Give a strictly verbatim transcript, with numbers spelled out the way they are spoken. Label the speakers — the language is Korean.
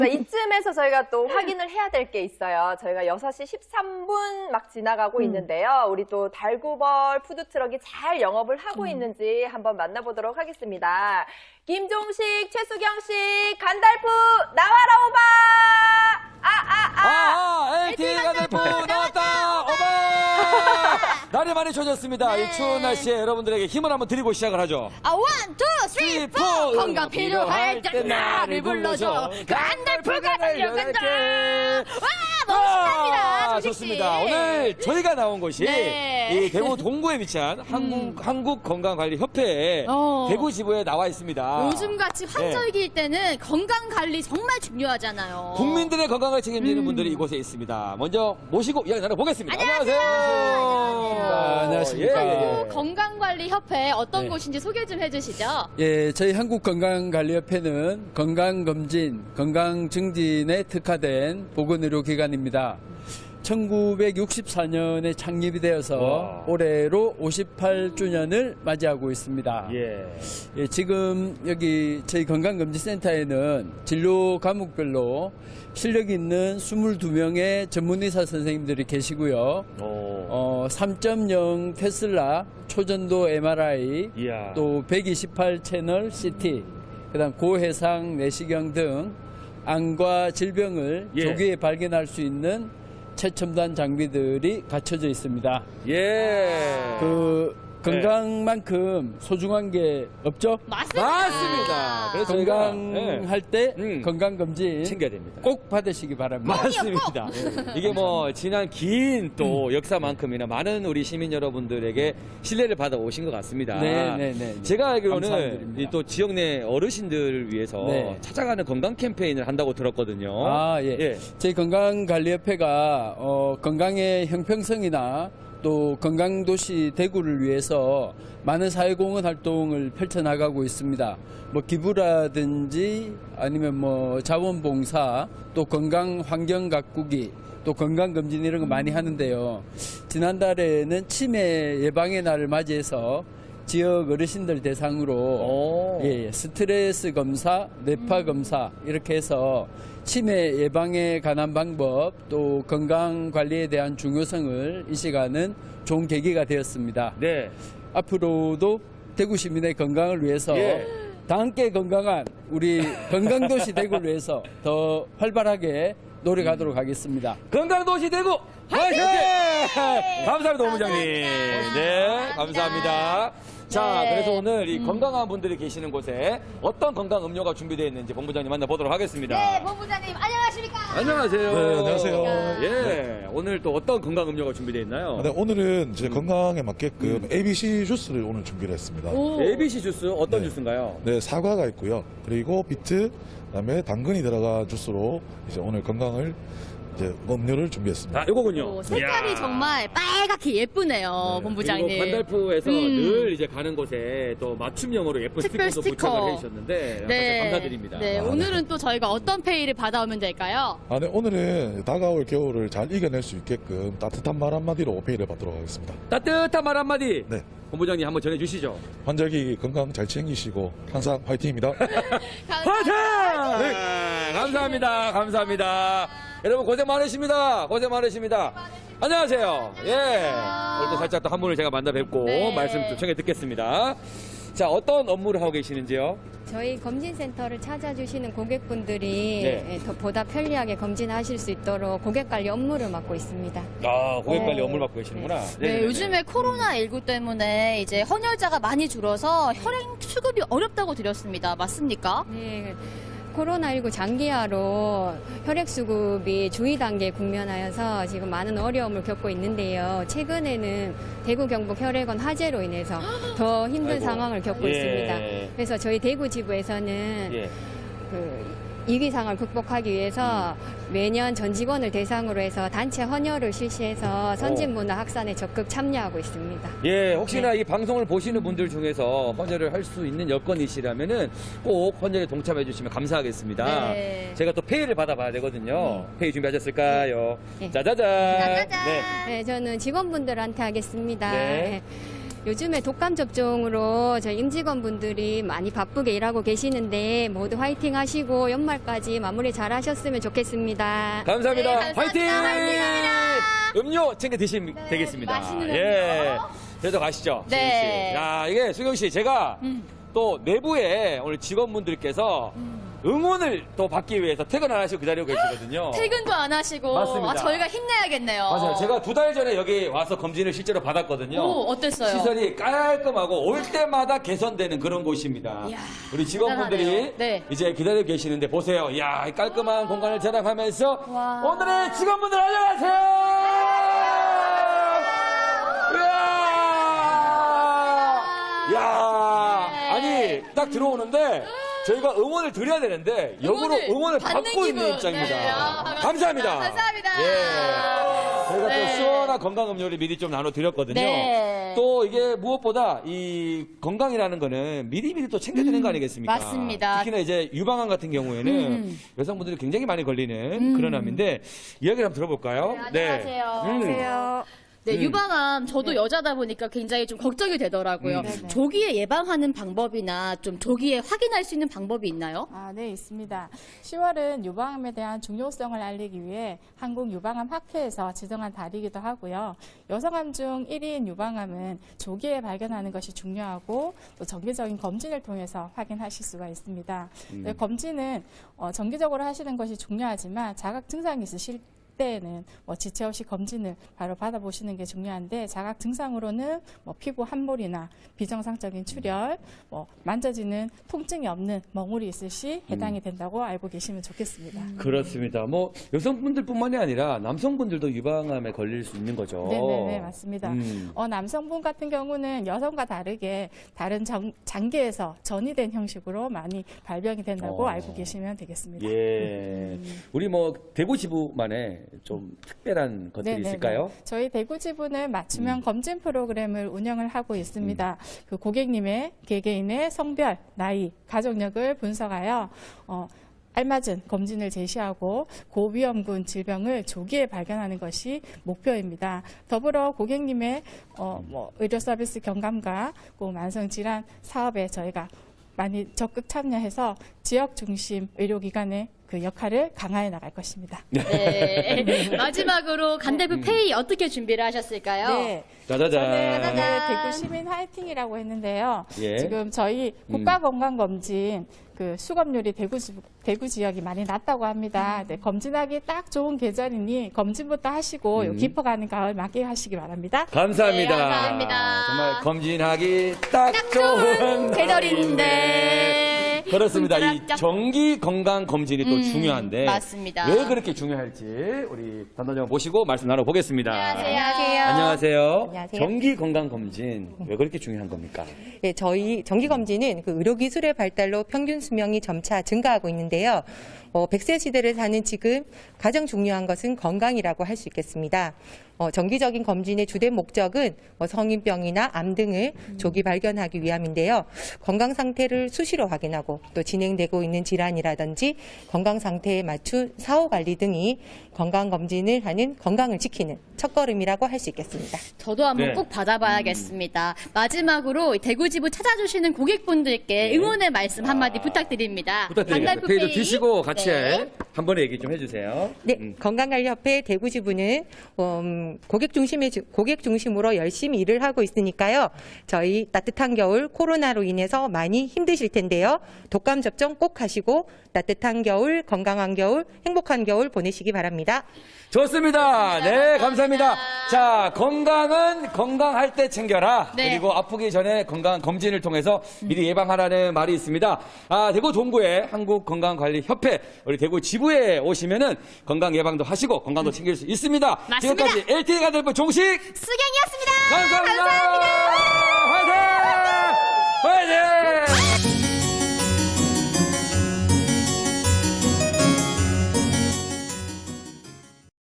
Speaker 1: 이쯤에서 저희가 또 확인을 해야 될 게 있어요. 저희가 여섯 시 십삼 분 막 지나가고
Speaker 2: 음.
Speaker 1: 있는데요. 우리 또 달구벌 푸드트럭이 잘 영업을 하고
Speaker 2: 음.
Speaker 1: 있는지 한번 만나보도록 하겠습니다. 김종식, 최수경 씨, 간달프 나와라 오바! 아, 아, 아!
Speaker 2: 아, 아, 엘티 간달프 나왔다! 오바! 날이 많이 좋아졌습니다.
Speaker 3: 네.
Speaker 2: 이 추운 날씨에 여러분들에게 힘을 한번 드리고 시작을 하죠.
Speaker 3: 아, 원, 투, 쓰리, 포! 건강 필요할 때 나를 불러줘. 간달프가 달려간다! 와, 멋있답니다,
Speaker 2: 아,
Speaker 3: 조식 씨.
Speaker 2: 좋습니다. 오늘 저희가 나온 곳이
Speaker 3: 네.
Speaker 2: 이 대구 동구에 위치한 한국, 한국건강관리협회에
Speaker 3: 어.
Speaker 2: 대구 지부에 나와 있습니다.
Speaker 3: 요즘같이 환절기일 때는 건강관리 정말 중요하잖아요.
Speaker 2: 국민들의 건강을 책임지는
Speaker 3: 음.
Speaker 2: 분들이 이곳에 있습니다. 먼저 모시고 이야기 나눠보겠습니다.
Speaker 3: 안녕하세요.
Speaker 4: 안녕하십니까.
Speaker 2: 예, 예.
Speaker 3: 건강관리협회 어떤
Speaker 4: 네.
Speaker 3: 곳인지 소개 좀 해주시죠.
Speaker 4: 예, 저희 한국건강관리협회는 건강검진, 건강증진에 특화된 보건의료기관입니다. 천구백육십사 년에 창립이 되어서
Speaker 2: 와.
Speaker 4: 올해로 오십팔 주년을 맞이하고 있습니다.
Speaker 2: 예.
Speaker 4: 예, 지금 여기 저희 건강검진센터에는 진료 과목별로 실력 있는 이십이 명의 전문의사 선생님들이 계시고요.
Speaker 2: 오.
Speaker 4: 어, 삼 점 영 테슬라 초전도 엠알아이,
Speaker 2: 이야.
Speaker 4: 또 백이십팔 채널 씨티, 그다음 고해상 내시경 등 암과 질병을
Speaker 2: 예.
Speaker 4: 조기에 발견할 수 있는 최첨단 장비들이 갖춰져 있습니다.
Speaker 2: 예.
Speaker 4: 그 건강만큼 소중한 게 없죠?
Speaker 3: 맞습니다.
Speaker 2: 맞습니다. 그래서 저희가,
Speaker 4: 건강할 때
Speaker 2: 음.
Speaker 4: 건강검진
Speaker 2: 챙겨야 됩니다.
Speaker 4: 꼭 받으시기 바랍니다.
Speaker 2: 맞습니다. 이게 뭐 지난 긴 또 역사만큼이나 많은 우리 시민 여러분들에게 신뢰를 받아 오신 것 같습니다.
Speaker 4: 네, 네, 네.
Speaker 2: 제가 알기로는
Speaker 4: 감사드립니다.
Speaker 2: 이 또 지역 내 어르신들을 위해서
Speaker 4: 네.
Speaker 2: 찾아가는 건강 캠페인을 한다고 들었거든요.
Speaker 4: 아, 예.
Speaker 2: 예.
Speaker 4: 저희 건강관리협회가 어, 건강의 형평성이나 또 건강도시 대구를 위해서 많은 사회공헌 활동을 펼쳐나가고 있습니다. 뭐 기부라든지 아니면 뭐 자원봉사, 또 건강환경 가꾸기, 또 건강검진 이런 거 많이 하는데요. 지난달에는 치매 예방의 날을 맞이해서 지역 어르신들 대상으로
Speaker 2: 오.
Speaker 4: 예, 예, 스트레스 검사, 뇌파 검사 이렇게 해서 치매 예방에 관한 방법 또 건강 관리에 대한 중요성을 이 시간은 좋은 계기가 되었습니다.
Speaker 2: 네.
Speaker 4: 앞으로도 대구 시민의 건강을 위해서
Speaker 2: 예.
Speaker 4: 다 함께 건강한 우리 건강도시 대구를 위해서 더 활발하게 노력하도록 하겠습니다.
Speaker 2: 건강도시 대구 화이팅! 감사합니다, 본부장님. 네, 감사합니다. 자,
Speaker 3: 네.
Speaker 2: 그래서 오늘 이 건강한 분들이 계시는 곳에 어떤 건강 음료가 준비되어 있는지 본부장님 만나보도록 하겠습니다.
Speaker 3: 네, 본부장님 안녕하십니까?
Speaker 2: 안녕하세요.
Speaker 5: 네, 안녕하세요.
Speaker 2: 예, 오늘 또 어떤 건강 음료가 준비되어 있나요?
Speaker 5: 네, 오늘은 제
Speaker 2: 음.
Speaker 5: 건강에 맞게끔 에이비씨 주스를 오늘 준비를 했습니다.
Speaker 3: 오.
Speaker 2: 에이비씨 주스 어떤
Speaker 5: 네.
Speaker 2: 주스인가요?
Speaker 5: 네, 사과가 있고요. 그리고 비트, 그다음에 당근이 들어간 주스로 이제 오늘 건강을 이제 음료를 준비했습니다.
Speaker 2: 아, 요거군요.
Speaker 3: 오, 색깔이
Speaker 2: 이야.
Speaker 3: 정말 빨갛게 예쁘네요,
Speaker 5: 네.
Speaker 3: 본부장님.
Speaker 2: 그리고 간달프에서
Speaker 3: 음.
Speaker 2: 늘 이제 가는 곳에 또 맞춤형으로 예쁜
Speaker 3: 특별
Speaker 2: 스티커도
Speaker 3: 스티커.
Speaker 2: 부착을 해주셨는데
Speaker 3: 네.
Speaker 2: 감사드립니다.
Speaker 3: 네,
Speaker 5: 아,
Speaker 3: 오늘은 또 저희가 어떤 페이를 받아오면 될까요?
Speaker 5: 아, 네, 오늘은 다가올 겨울을 잘 이겨낼 수 있게끔 따뜻한 말 한마디로 오페이를 받도록 하겠습니다.
Speaker 2: 따뜻한 말 한마디.
Speaker 5: 네.
Speaker 2: 본부장님 한번 전해주시죠.
Speaker 5: 환절기 건강 잘 챙기시고 항상 화이팅입니다.
Speaker 2: 화이팅! 네. 감사합니다. 감사합니다. 여러분 고생 많으십니다. 고생 많으십니다. 안녕하세요. 예. 오늘도 살짝 또 한 분을 제가 만나 뵙고
Speaker 3: 네.
Speaker 2: 말씀 좀 청해 듣겠습니다. 자, 어떤 업무를 하고 계시는지요?
Speaker 6: 저희 검진센터를 찾아주시는 고객분들이
Speaker 2: 네.
Speaker 6: 예, 더 보다 편리하게 검진하실 수 있도록 고객관리 업무를 맡고 있습니다.
Speaker 2: 아, 고객관리
Speaker 6: 네.
Speaker 2: 업무를 맡고 계시는구나.
Speaker 3: 네,
Speaker 2: 네네네.
Speaker 3: 요즘에 코로나십구 때문에 이제 헌혈자가 많이 줄어서 혈액 수급이 어렵다고 드렸습니다. 맞습니까?
Speaker 6: 네, 코로나십구 장기화로 혈액수급이 주의 단계에 국면하여서 지금 많은 어려움을 겪고 있는데요. 최근에는 대구 경북 혈액원 화재로 인해서 더 힘든
Speaker 2: 아이고.
Speaker 6: 상황을 겪고
Speaker 2: 예.
Speaker 6: 있습니다. 그래서 저희 대구 지부에서는
Speaker 2: 예.
Speaker 6: 그 위기상을 극복하기 위해서 매년 전 직원을 대상으로 해서 단체 헌혈을 실시해서 선진문화 확산에 적극 참여하고 있습니다.
Speaker 2: 예, 혹시나
Speaker 6: 네.
Speaker 2: 이 방송을 보시는 분들 중에서 헌혈을 할 수 있는 여건이시라면은 꼭 헌혈에 동참해 주시면 감사하겠습니다.
Speaker 3: 네.
Speaker 2: 제가 또 페이를 받아봐야 되거든요. 페이 준비하셨을까요?
Speaker 6: 네.
Speaker 2: 짜자잔.
Speaker 3: 짜자잔.
Speaker 2: 네.
Speaker 6: 네, 저는 직원분들한테 하겠습니다.
Speaker 2: 네.
Speaker 6: 네. 요즘에 독감 접종으로 저희 임직원분들이 많이 바쁘게 일하고 계시는데 모두 화이팅 하시고 연말까지 마무리 잘 하셨으면 좋겠습니다.
Speaker 2: 감사합니다.
Speaker 3: 네, 감사합니다.
Speaker 2: 화이팅!
Speaker 3: 화이팅입니다.
Speaker 2: 음료 챙겨 드시면 되겠습니다.
Speaker 3: 맛있는
Speaker 2: 예.
Speaker 3: 음료.
Speaker 2: 그래도 가시죠.
Speaker 3: 네.
Speaker 2: 수경 씨. 야, 이게 수경 씨, 제가
Speaker 3: 음.
Speaker 2: 또 내부에 오늘 직원분들께서 응원을 또 받기 위해서 퇴근 안 하시고 기다리고 계시거든요.
Speaker 3: 퇴근도 안 하시고
Speaker 2: 맞습니다.
Speaker 3: 아, 저희가 힘내야겠네요.
Speaker 2: 맞아요. 제가 두 달 전에 여기 와서 검진을 실제로 받았거든요.
Speaker 3: 오, 어땠어요?
Speaker 2: 시설이 깔끔하고 올 때마다 개선되는 그런 곳입니다.
Speaker 3: 이야,
Speaker 2: 우리 직원분들이
Speaker 3: 대단하네요. 네.
Speaker 2: 이제 기다리고 계시는데 보세요. 이야, 이 깔끔한 공간을 자랑하면서
Speaker 3: 와.
Speaker 2: 오늘의 직원분들 안녕하세요. 이야, 이야,
Speaker 3: 네.
Speaker 2: 아니 딱 들어오는데. 저희가 응원을 드려야 되는데 역으로
Speaker 3: 응원을
Speaker 2: 응원을
Speaker 3: 받는
Speaker 2: 받고 있는
Speaker 3: 기분.
Speaker 2: 입장입니다.
Speaker 3: 네. 아,
Speaker 2: 감사합니다.
Speaker 3: 감사합니다.
Speaker 2: 예. 저희가
Speaker 3: 네.
Speaker 2: 또 시원한 건강 음료를 미리 좀 나눠드렸거든요.
Speaker 3: 네.
Speaker 2: 또 이게 무엇보다 이 건강이라는 거는 미리미리 또 챙겨드리는 거 아니겠습니까?
Speaker 3: 맞습니다.
Speaker 2: 특히나 이제 유방암 같은 경우에는
Speaker 3: 음.
Speaker 2: 여성분들이 굉장히 많이 걸리는
Speaker 3: 음.
Speaker 2: 그런 암인데 이야기를 한번 들어볼까요?
Speaker 3: 네, 안녕하세요.
Speaker 2: 음.
Speaker 1: 안녕하세요.
Speaker 3: 네,
Speaker 2: 음.
Speaker 3: 유방암 저도 여자다 보니까 굉장히 좀 걱정이 되더라고요.
Speaker 2: 음.
Speaker 3: 조기에 예방하는 방법이나 좀 조기에 확인할 수 있는 방법이 있나요?
Speaker 7: 아, 네, 있습니다. 시월은 유방암에 대한 중요성을 알리기 위해 한국유방암학회에서 지정한 달이기도 하고요. 여성암 중 일 위인 유방암은 조기에 발견하는 것이 중요하고 또 정기적인 검진을 통해서 확인하실 수가 있습니다.
Speaker 2: 음.
Speaker 7: 네, 검진은 어, 정기적으로 하시는 것이 중요하지만 자각 증상이 있으실 때에는 뭐 지체 없이 검진을 바로 받아보시는 게 중요한데 자각 증상으로는 뭐 피부 함몰이나 비정상적인 출혈, 뭐 만져지는 통증이 없는 멍울이 있을 시 해당이 된다고 알고 계시면 좋겠습니다.
Speaker 2: 그렇습니다. 뭐 여성분들뿐만이 아니라 남성분들도 유방암에 걸릴 수 있는 거죠.
Speaker 7: 네네네, 맞습니다.
Speaker 2: 음.
Speaker 7: 어, 남성분 같은 경우는 여성과 다르게 다른 장, 장기에서 전이된 형식으로 많이 발병이 된다고
Speaker 2: 어.
Speaker 7: 알고 계시면 되겠습니다.
Speaker 2: 예. 우리 뭐 대구 지부만의 좀 특별한 것들이
Speaker 7: 네네네.
Speaker 2: 있을까요?
Speaker 7: 저희 대구 지부는 맞춤형
Speaker 2: 음.
Speaker 7: 검진 프로그램을 운영을 하고 있습니다. 그 고객님의 개개인의 성별, 나이, 가족력을 분석하여 어, 알맞은 검진을 제시하고 고위험군 질병을 조기에 발견하는 것이 목표입니다. 더불어 고객님의 어, 뭐 의료 서비스 경감과 그 만성 질환 사업에 저희가 많이 적극 참여해서 지역 중심 의료기관의 그 역할을 강화해 나갈 것입니다.
Speaker 3: 네. 마지막으로 간대부 페이 어떻게 준비를 하셨을까요?
Speaker 7: 네.
Speaker 2: 짜자잔.
Speaker 7: 저는
Speaker 3: 짜잔.
Speaker 7: 네, 대구 시민 화이팅이라고 했는데요.
Speaker 2: 예.
Speaker 7: 지금 저희 국가건강검진 그 수검률이 대구, 지- 대구 지역이 많이 낮다고 합니다. 네, 검진하기 딱 좋은 계절이니 검진부터 하시고 요
Speaker 2: 음.
Speaker 7: 깊어가는 가을 맞게 하시기 바랍니다.
Speaker 2: 감사합니다.
Speaker 3: 네, 감사합니다.
Speaker 2: 정말 검진하기 딱, 좋은
Speaker 3: 계절인데.
Speaker 2: 그렇습니다. 이
Speaker 3: 문자랍죠?
Speaker 2: 정기 건강 검진이 또
Speaker 3: 음,
Speaker 2: 중요한데
Speaker 3: 맞습니다.
Speaker 2: 왜 그렇게 중요할지 우리 담당자분 모시고 말씀 나눠보겠습니다.
Speaker 3: 안녕하세요.
Speaker 2: 안녕하세요.
Speaker 8: 안녕하세요.
Speaker 2: 정기 건강 검진 왜 그렇게 중요한 겁니까?
Speaker 8: 네, 저희 정기검진은 그 의료기술의 발달로 평균 수명이 점차 증가하고 있는데요. 어, 백 세 시대를 사는 지금 가장 중요한 것은 건강이라고 할 수 있겠습니다. 어, 정기적인 검진의 주된 목적은 뭐 성인병이나 암 등을 조기 발견하기 위함인데요. 건강 상태를 수시로 확인하고 또 진행되고 있는 질환이라든지 건강 상태에 맞춘 사후 관리 등이 건강 검진을 하는 건강을 지키는 첫걸음이라고 할 수 있겠습니다.
Speaker 3: 저도 한번
Speaker 2: 네.
Speaker 3: 꼭 받아봐야겠습니다. 마지막으로 대구지부 찾아주시는 고객분들께 응원의 말씀 한마디 부탁드립니다.
Speaker 2: 부탁드리겠습니다.
Speaker 3: 간달프
Speaker 2: 페이도
Speaker 3: 페이.
Speaker 2: 드시고 같이
Speaker 3: 네.
Speaker 2: 한 번에 얘기 좀 해주세요.
Speaker 8: 네,
Speaker 2: 음.
Speaker 8: 건강관리협회 대구지부는 음, 고객 중심의 주- 고객 중심으로 열심히 일을 하고 있으니까요. 저희 따뜻한 겨울 코로나로 인해서 많이 힘드실 텐데요. 독감 접종 꼭 하시고 따뜻한 겨울, 건강한 겨울, 행복한 겨울 보내시기 바랍니다.
Speaker 2: 좋습니다. 네, 감사합니다. 자, 건강은 건강할 때 챙겨라.
Speaker 3: 네.
Speaker 2: 그리고 아프기 전에 건강 검진을 통해서 미리 예방하라는 말이 있습니다. 아, 대구 동구의 한국건강관리협회 우리 대구 지부에 오시면은 건강 예방도 하시고 건강도 챙길 수 있습니다.
Speaker 3: 맞습니다.
Speaker 2: 지금까지 엘티이 간달프 종식
Speaker 3: 수경이었습니다.
Speaker 2: 감사합니다.
Speaker 3: 감사합니다.